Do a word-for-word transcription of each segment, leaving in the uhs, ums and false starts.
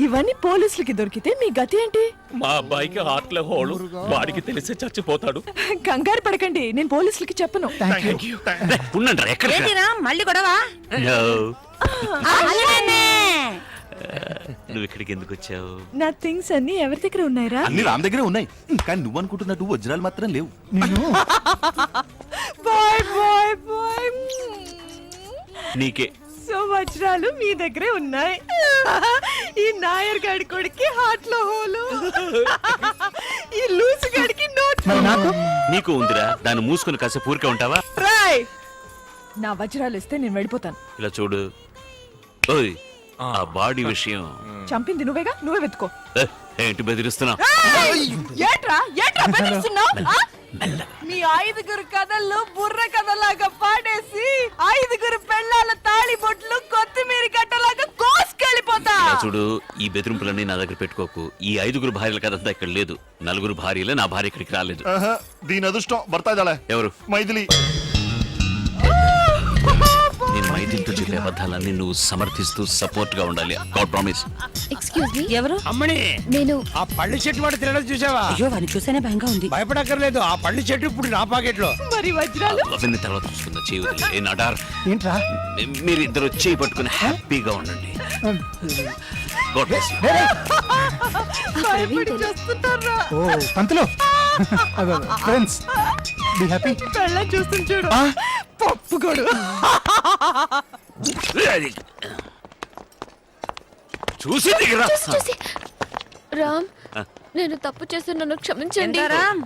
ఇవన్నీ పోలీసులకి దొరికితే మీ గతి ఏంటి? మా అబ్బాయికి హార్ట్ లో హోల్, వాడికి తెలిసే చచ్చిపోతాడు. కంగారు పడకండి, నేను పోలీసులకి చెప్పను. మళ్ళీ గొడవ? నువ్వు ఇక్కడికి ఎందుకు వచ్చావు? నా థింగ్స్ అన్ని ఎవరి దగ్గర ఉన్నాయరా? అన్ని రామ్ దగ్గరే ఉన్నాయి, కానీ నువ్వు అనుకుంటున్నట్టు వజ్రాలు మాత్రం లేవు. Bye bye bye. నీకే. సో వజ్రాలు మీ దగ్గరే ఉన్నాయి. ఈ నాయర్ గాడి కొడుకి హార్ట్ లో హోలు, ఈ లూసు గాడికి నోట్. నీకు ఉందిరా, దాన్ని మూసుకుని కాసేపు ఊరికే ఉంటావా? రాయ్, నా వజ్రాలు ఇస్తే నేను వెళ్ళిపోతాను. ఇలా చూడు, ఓయ్ ఆ బాడీ విషయం చంపింది నువ్వేగా, నువ్వే వెతుకో. ఏంటి బెదిరిస్తున్నావు? ఏట్రా ఏట్రా బెదిరిస్తున్నావు? మీ ఐదుగురు కథల్లో బుర్ర కథలాగా పాడేసి ఐదుగురు పెళ్ళాల తాళి బొట్లు కొత్తిమీర కట్టలాగా కోసుకెళ్ళిపోతా. చూడు, ఈ బెదిరింపులన్నీ నా దగ్గర పెట్టుకోకు. ఈ ఐదుగురు భార్యల కథంతా ఇక్కడ లేదు. నలుగురు భార్యలే, నా భార్య ఇక్కడికి రాలేదు. దీని అదృష్టం భర్త ఎవరు? మైథిలి. నేను మైథిలితో చెప్పే అబద్ధాలన్నీ నువ్వు సమర్థిస్తూ సపోర్ట్ గా ఉండాలి. God promise. ఎక్స్క్యూజ్ మీ, ఎవరు? అమ్మని, నేను ఆ పళ్ళు చెట్టు వాడు తినడం చూసావా? అయ్యో, వాడిని చూస్తేనే భయంగా ఉంది. భయపడక్కర్లేదు, ఆ పళ్ళు చెట్టు ఇప్పుడు నా పాకెట్ లో. మరి వజ్రాలు అవన్నీ తర్వాత చూసుకుందా. చేయవద్దు. ఏ నడార్, ఏంట్రా మీరిద్దరు చేయి పట్టుకుని హ్యాపీగా ఉండండి. God bless you. భయపడి చేస్తున్నారా? ఓ పంతులు, ఫ్రెండ్స్ బి హ్యాపీ. పెళ్ళ చూస్తుంది చూడు, పప్పుగోడు. చూసి చూసి రామ్, నేను తప్పు చేసి నన్ను క్షమించండి. Ram,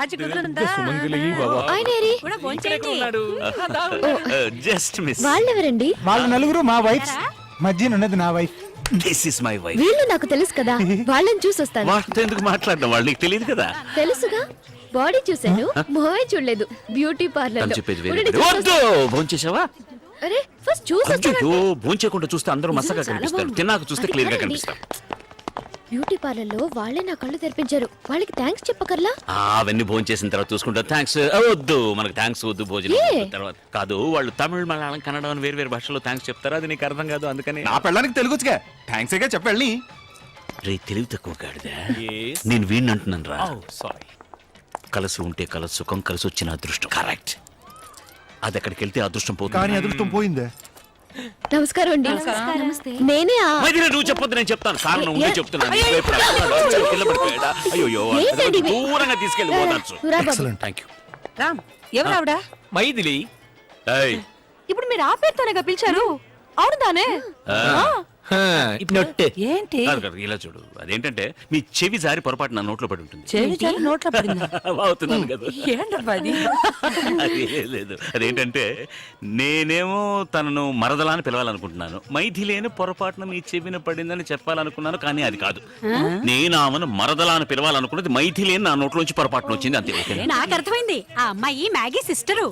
just miss. వాళ్ళెవరండి? వాళ్ళ నలుగురు మా వైఫ్, మధ్యన ఉన్నది నా wife. This is my wife. వీళ్ళు నాకు తెలుసు కదా, వాళ్ళని చూసొస్తాను. వాళ్ళతో ఎందుకు మాట్లాడడం, వాళ్ళు నీకు తెలియదు కదా. తెలుసుగా, బాడీ చూసాను, మొహమే చూడలేదు. బ్యూటీ పార్లర్ లో. చెప్పేది వద్దు. భోంచేసావా? అరే ఫస్ట్ చూసొస్తాను. భోంచేయకుండా చూస్తే అందరూ మసగా కనిపిస్తారు, తిన్నాక చూస్తే క్లియర్ గా కనిపిస్తారు. బ్యూటీ పార్లర్ లో వాళ్ళే నా కళ్ళు తెరిపించారు, వాళ్ళకి థ్యాంక్స్ చెప్పకర్లా? అవన్నీ భోజనం చేసిన తర్వాత చూసుకుంటా. థ్యాంక్స్ వద్దు, మనకు థ్యాంక్స్ వద్దు. భోజనం తర్వాత కాదు, వాళ్ళు తమిళ, మలయాళం, కన్నడ అని వేరు వేరు భాషలో థ్యాంక్స్ చెప్తారు. అది నీకు అర్థం కాదు, అందుకని. నా పెళ్ళానికి తెలుగుగా థ్యాంక్స్ గా చెప్పండి. రే తెలివి తక్కువ కాడిదా, నేను వీడిని అంటున్నాను రా. సారీ. కలిసి ఉంటే కలసి సుఖం, కలిసి వచ్చిన అదృష్టం. కరెక్ట్. అది అక్కడికి వెళ్తే అదృష్టం పోతుంది. కానీ అదృష్టం పోయిందే. నమస్కారం అండి. నమస్తే. నేనే. నువ్వు చెప్పొద్దు, నేను చెప్తాను. కారణం ఉంటే చెప్తున్నాను. అయ్యో, దూరంగా తీసుకెళ్ళి పోతాను. Thank you. రామ్, ఎవరు ఆవిడ? మైథిలి. ఇప్పుడు మీరు ఆ పేరుతోనే పిలిచారు? అవునుదానే. ఏంటి ఇలా చూడు, అదేంటంటే మీ చెవి జారి పొరపాటు నా నోట్లో పడి ఉంటుంది. నోట్లో అవుతున్నాను కదా. లేదు, అదేంటంటే నేనేమో తనను మరదలా అని పిలవాలనుకుంటున్నాను. మైథిలేని పొరపాటున మీ చెవిన పడిందని చెప్పాలనుకున్నాను, కానీ అది కాదు. నేను ఆమెను మరదలా అని పిలవాలనుకున్నది, మైథిలేని నా నోట్లోంచి పొరపాటున వచ్చింది, అంతే. నాకు అర్థమైంది, ఆ అమ్మాయి మ్యాగీ సిస్టరు.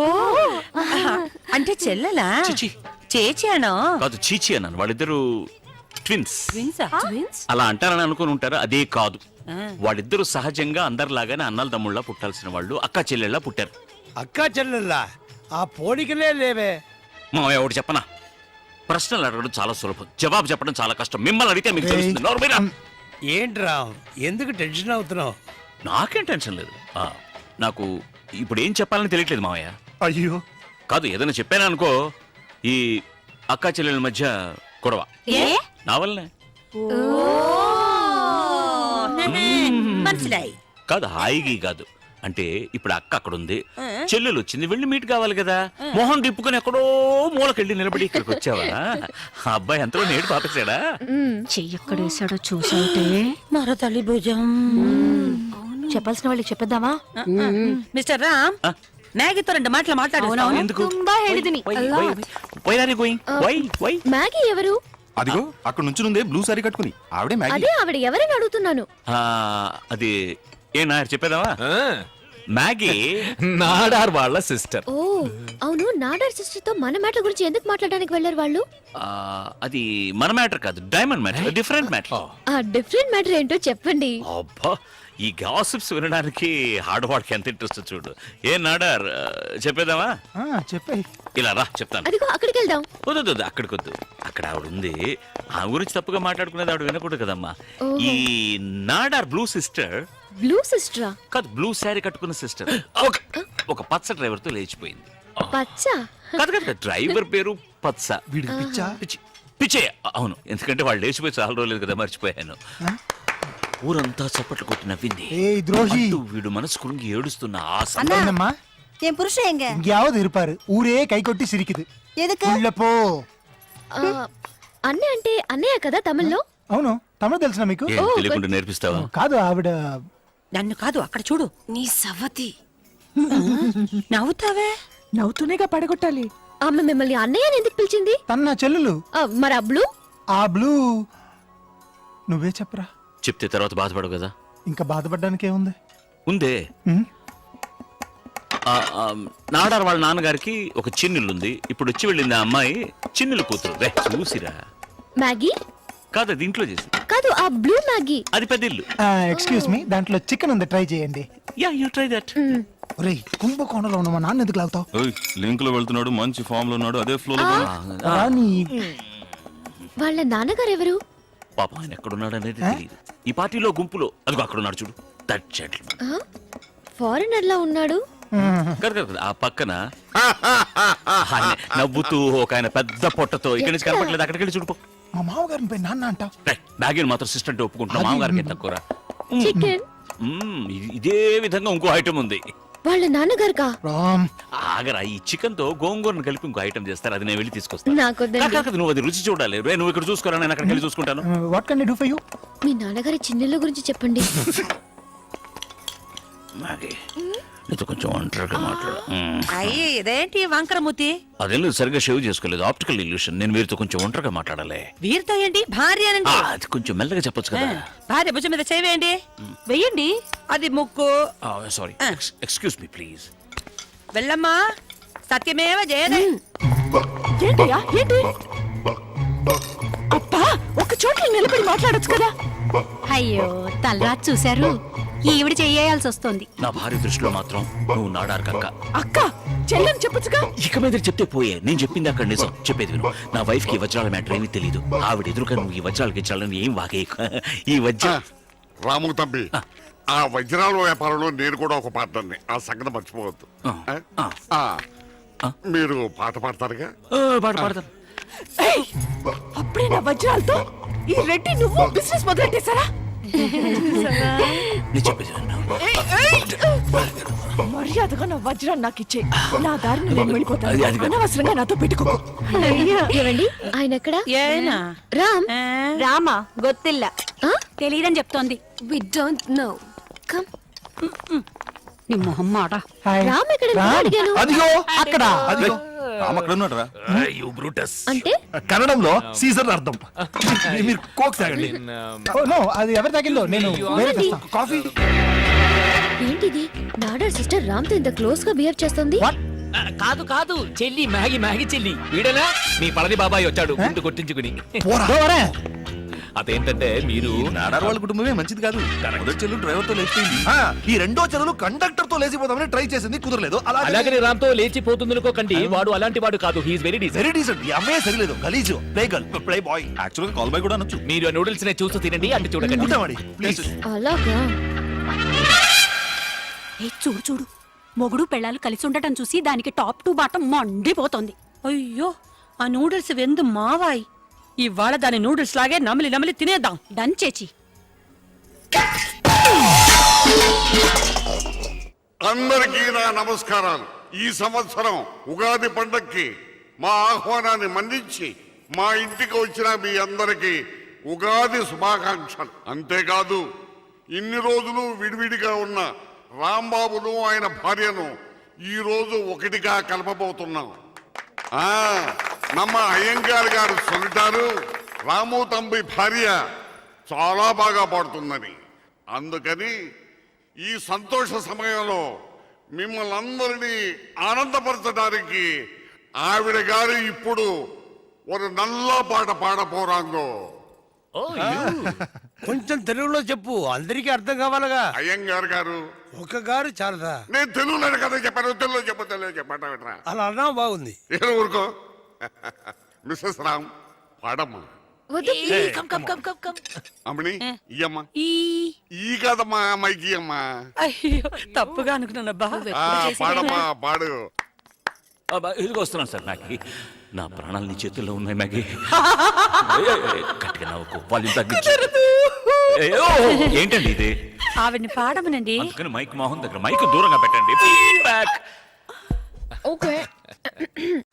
అంటే చెల్లెలా? చేచాను కాదు, చీచి అన్నాను. వాళ్ళిద్దరు ట్విన్స్. అలా అంటారని అనుకుని ఉంటారు, అదే కాదు. వాళ్ళిద్దరు సహజంగా అందరిలాగానే అన్నల తమ్ముళ్ళ పుట్టాల్సిన వాళ్ళు, అక్క చెల్లెళ్ళ పుట్టారు. అక్కా చెల్లెల్లా? ఆ పోలికలే లేవే. మామయ్య ఒకటి చెప్పనా, ప్రశ్నలు అడగడం చాలా సులభం, జవాబు చెప్పడం చాలా కష్టం. మిమ్మల్ని అడిగితే మీకు తెలుస్తుంది. నోరుమీరా. ఏంట్రా ఎందుకు టెన్షన్ అవుతున్నావు? నాకేం టెన్షన్ లేదు. ఆ, నాకు ఇప్పుడు ఏం చెప్పాలని తెలియట్లేదు మామయ్య. అయ్యో కాదు, ఏదైనా చెప్పాను అనుకో, ఈ అక్కా చెల్లెల మధ్య గొడవ నా వల్లనే. కాదు, హాయిగా కాదు. అంటే ఇప్పుడు అక్క అక్కడ ఉంది, చెల్లెలు వచ్చింది, వెళ్ళి మీట్ కావాలి కదా. మొహం తిప్పుకొని ఎక్కడో మూలకెళ్ళి నిలబడి ఇక్కడికి వచ్చావా? ఆ అబ్బాయి ఎంతలో నేడు పాపేశాడా? చెయ్యక్కడేసాడో చూసావుటే మరో తల్లి భుజం. చెప్పాల్సిన వాళ్ళకి చెప్పేద్దామా? మిస్టర్ రామ్, మ్యాగీతో రెండు మాటలు మాట్లాడు. మ్యాగీ ఎవరు? అదిగో అక్కడ నుంచి నుండే బ్లూ సారీ కట్టుకుని ఆవిడే మ్యాగీ. అదే ఆవిడ ఎవరని అడుగుతున్నాను. అది ఏ నాయర్ చెప్పేదావా? మ్యాగీ నాడార్ వాళ్ళ సిస్టర్. ఓ అవును, నాడార్ సిస్టర్ తో మన మ్యాటర్ గురించి ఎందుకు మాట్లాడడానికి వెళ్ళారు వాళ్ళు? అది మన మ్యాటర్ కాదు, డైమండ్ మ్యాటర్, డిఫరెంట్ మ్యాటర్. ఆ డిఫరెంట్ మ్యాటర్ ఏంటో చెప్పండి. అబ్బా, ఈ గాసిప్స్ వినడానికి ఆడవాడికి ఎంత ఇంట్రెస్ట్ చూడు. ఏ నాడార్ ఆ, చెప్పేదామా? చెప్పాయి. ఇలా రా చెప్తాను. అదిగో అక్కడికి వెళ్దాం. వద్దు వద్దు, అక్కడికి వద్దు. అక్కడ ఆవిడ ఉంది, ఆ గురించి తప్పుగా మాట్లాడుకునేది ఆవిడ వినకూడదు కదమ్మా. ఈ నాడార్ బ్లూ సిస్టర్ బ్లూ సిస్టరా? కాదు, బ్లూ శారీ కట్టుకున్న సిస్టర్ ఒక ఒక పచ్చ డ్రైవర్ తో లేచిపోయింది. పచ్చ? కాదు కాదు, డ్రైవర్ పేరు పచ్చ. వీడికి పిచ్చా? పిచ్చి పిచ్చే, అవును. ఎందుకంటే వాళ్ళు లేచిపోయి చాలా రోజులేదు కదా, మర్చిపోయాను. ఊరంతా చప్పట్లు కొట్టి నవ్వింది. ஏய் துரோகி, అంటూ వీడు మనసు కురింగి ఏడుస్తున్న ఆ సమయం. அண்ணா. என்னம்மா என் புருஷன் எங்க? எங்கேயாவது இருப்பாரு. ஊரே கை கொட்டி சிரிக்குது. எதுக்கு? உள்ள போ. ఆ, అన్నయ్య అంటే అన్నయ్య కదా తమిళ్లో? అవును, తమిళ తెలుసునా మీకు? ఏం తెలియకుండా నేర్పిస్తావా? కాదు, ఆవిడ నన్ను కాదు, అక్కడ చూడు. నీ సవతి నవ్వుతావే. నవ్వుతూనేగా పడగొట్టాలి. ఆమె మిమ్మల్ని అన్నయ్య అని ఎందుకు పిలిచింది? తన నా చెల్లెలు. ఆ, మరి ఆ బ్లూ? ఆ బ్లూ నువ్వే చెప్పరా. చెప్తే తర్వాత బాధపడవు కదా. ఇంకా బాధపడడానికి ఏముంది? ఉందే. ఉమ్, ఆ, ఆ, నాడార్ వాళ్ళ నాన్నగారికి ఒక చిన్నిల్లు ఉంది. ఇప్పుడు వచ్చి వెళ్ళింది ఆ అమ్మాయి చిన్నిల్లు కూతురు. రే చూసిరా. మ్యాగీ? కాదు, అది ఇంట్లో చేసి. కాదు, ఆ బ్లూ మ్యాగీ. అది పెద్ద ఇల్లు. ఆ, ఎక్స్క్యూజ్ మీ, దాంట్లో చికెన్ ఉంది, ట్రై చేయండి. Yeah you try that. ఒరేయ్, కుంభకోణంలో ఉన్న మా నాన్న ఎందుకు లాగుతావు? లింక్ లో వెళ్తున్నాడు, మంచి ఫామ్ లో ఉన్నాడు, అదే ఫ్లో లో రాని. వాళ్ళ నాన్నగారు ఎవరు? పాపం ఆయన ఎక్కడున్నాడు అనేది తెలియదు. ఈ పార్టీలో గుంపులో అదిగో అక్కడ ఉన్నాడు చూడు, దట్ జెంటిల్మన్. ఫారెనర్ లా ఉన్నాడు. కాదు కాదు, ఆ పక్కన ఆయన నవ్వుతూ ఒక ఆయన పెద్ద పొట్టతో ఇక్కడి నుంచి కనపట్లేదు, అక్కడికి వెళ్ళి చూడుకో. మా మామగారిని పోయి నాన్న అంటావు? బ్యాగీని మాత్రం సిస్టర్ ఒప్పుకుంటున్నా, మామగారికి ఎంత కూర. చికెన్? ఇదే విధంగా ఇంకో ఐటమ్ ఉంది. వాళ్ళ నాన్నగారుగా? రామ్, ఆగరా, ఈ చికెన్ తో గోంగూరను కలిపి ఇంకో ఐటమ్ చేస్తారు, అది నేను వెళ్ళి తీసుకొస్తాను. నాకొద్దండి. కాదు, కాదు, నువ్వు అది రుచి చూడాలి. రే, నువ్వు ఇక్కడ చూసుకోరా, నేను అక్కడికి వెళ్ళి చూసుకుంటాను. What can I do for you? మీ నాన్నగారి చిన్నెళ్ళ గురించి చెప్పండి. మ్యాగీ, నీతో కొంచెం ఒంటరిగా మాట్లాడు. అయ్యి ఇదేంటి వంకరమూతి? అదేం లేదు, సరిగ్గా షేవ్ చేసుకోలేదు, ఆప్టికల్ ఇల్యూషన్. నేను వీరితో కొంచెం ఒంటరిగా మాట్లాడాలి. వీరితో ఏంటి? భార్య అనండి. ఆ, అది కొంచెం మెల్లగా చెప్పొచ్చు కదా. భార్య భుజం మీద చేవేయండి. వెయ్యండి. అది ముక్కు. Sorry, excuse me please. వెళ్ళమ్మా. సత్యమేవ జయదే. ఏంటయ్యా ఏంటి? అబ్బా, ఒక చోట్ల నిలబడి మాట్లాడొచ్చు కదా. అయ్యో తలరాత్ చూశారు. ఈవిడ చెయ్యాల్సి వస్తుంది. నా భార్య దృష్టిలో మాత్రం నువ్వు నాడారు కక్క. అక్క, చెల్లెని చెప్పొచ్చుగా. ఇక మీద చెప్తే పోయే, నేను చెప్పింది అక్కడ నిజం. చెప్పేది విను. నా వైఫ్ కి ఈ వజ్రాల మ్యాటర్ ఏమీ తెలియదు. ఆవిడ ఎదురుగా నువ్వు ఈ వజ్రాలకి ఇచ్చాలని ఏం వాగే. ఈ వజ్ర రాము తంబి, ఆ వజ్రాల వ్యాపారంలో నేను కూడా ఒక పార్ట్నర్ని. ఆ సంగతి మర్చిపోవద్దు. ఆ, మీరు పాట పాడతారుగా? పాట పాడతాను. ఏయ్, అప్పుడే నా వజ్రాలతో ఈ రెడ్డి నువ్వు బిజినెస్ మొదలెట్టేశారా? నేను చెప్పేది విను. మర్యాదగా నా వజ్రాన్ని నాకు ఇచ్చే. నా దారిని నేను అది- వెళ్ళిపోతాను. అది కాదు. అనవసరంగా నాతో పెట్టుకోకు. ఏవండి, ఆయన ఎక్కడా? ఏనా? రామ్. రామా గొత్తిల్ల ఆ? తెలియదని చెప్తోంది. We don't know. Come. నీ మొహం మాట. హాయ్. రామ్ ఎక్కడ? రామ్, అడిగాను. అదిగో అక్కడ. అదిగో రామ్ అక్కడ ఉన్నాడు రా. You Brutus. అంటే కన్నడంలో సీజర్ అర్థం. మీరు కోక్ తాగండి. ఓ, నో, అది ఎవరు తాగిందో నేను వేరే తెస్తా. కాఫీ. ఏంటిది? నాడర్ సిస్టర్ రామ్ తో ఇంత క్లోజ్ గా బిహేవ్ చేస్తుంది. కాదు కాదు, చెల్లి మ్యాగీ మ్యాగీ చెల్లి. వీడేనా మీ పళని బాబాయ్ వచ్చాడు గుండు కొట్టించుకుని. పోరా. అదేంటంటే మీరు నాడార్ వాళ్ళ కుటుంబమే మంచిది కాదు. మొదటి చెల్లు డ్రైవర్ తో లేచిపోయింది. ఆ, ఈ రెండో చెల్లెలు కండక్టర్ తో లేచిపోదామని ట్రై చేసింది, కుదరలేదు. అలాగే అలాగని రామ్తో లేచిపోతుంది అనుకోకండి. వాడు అలాంటి వాడు కాదు. He is very decent. Very decent. ఈ అమ్మాయి సరిలేదు, గలీజు. Play girl, play boy. Actual గా కాల్ బాయ్ కూడా అనొచ్చు. మీరు ఆ నూడిల్స్ నే చూస్తూ తినండి, అంటే చూడకండి. ఉంటామండి ప్లీజ్. అలాగా? ఏ చూడు చూడు, మొగుడు పెళ్ళాలు కలిసి ఉండటం చూసి దానికి టాప్ టు బాటం మండిపోతోంది. అయ్యో, ఆ నూడిల్స్ వెందు మావాయి. ఇవాళ దాని నూడిల్స్ లాగే నమిలి నమిలి తినేద్దాం. డన్ చేచి. అందరికీ నా నమస్కారాలు. ఈ సంవత్సరం ఉగాది పండక్కి మా ఆహ్వానాన్ని మన్నించి మా ఇంటికి వచ్చిన మీ అందరికీ ఉగాది శుభాకాంక్షలు. అంతేకాదు, ఇన్ని రోజులు విడివిడిగా ఉన్న రాంబాబును ఆయన భార్యను ఈ రోజు ఒకటిగా కలపబోతున్నాం. ఆ, నమ్మ అయ్యంగార్ గారు సొంటారు రాము తంబి భార్య చాలా బాగా పాడుతుందని. అందుకని ఈ సంతోష సమయంలో మిమ్మల్ని అందరినీ ఆనందపరచడానికి ఆవిడ గారు ఇప్పుడు ఒక నల్ల పాట పాడపోరాంగో. ఓ you. కొంచెం తెలుగులో చెప్పు అందరికీ అర్థం కావాలగా. అయ్యంగారు గారు ఒక గారు చాలదా? నేను తెలుగులో కదా చెప్పాను, తెలుగులో చెప్పు, తెలుగు చెప్పండి వినరా. అలా అన్నా బాగుంది. ఏదో ఊరుకో. మిస్సెస్ రామ్ పాడమ్మా. వద్దు ఏ, come come come come come అమ్మని ఇయ్యమ్మా. ఈ ఈ కదమ్మా అమ్మాయికి అమ్మా. అయ్యో తప్పుగా అనుకున్నానబ్బా. ఆ, పాడమ్మా పాడు. అబ్బా, ఇదిగో వస్తున్నాను సార్. మ్యాగీ, నా ప్రాణాలు నీ చేతుల్లో ఉన్నాయి మ్యాగీ. ఏ, ఏ, గట్టిగా నవ్వుకో, వాల్యూమ్ తగ్గించు. ఏ, ఓ, ఏంటండి ఇది? ఆవిడ్ని పాడమనండి. అందుకని మైక్ మోహన్ దగ్గర మైక్ దూరంగా పెట్టండి. ఫీడ్బ్యాక్. ఓకే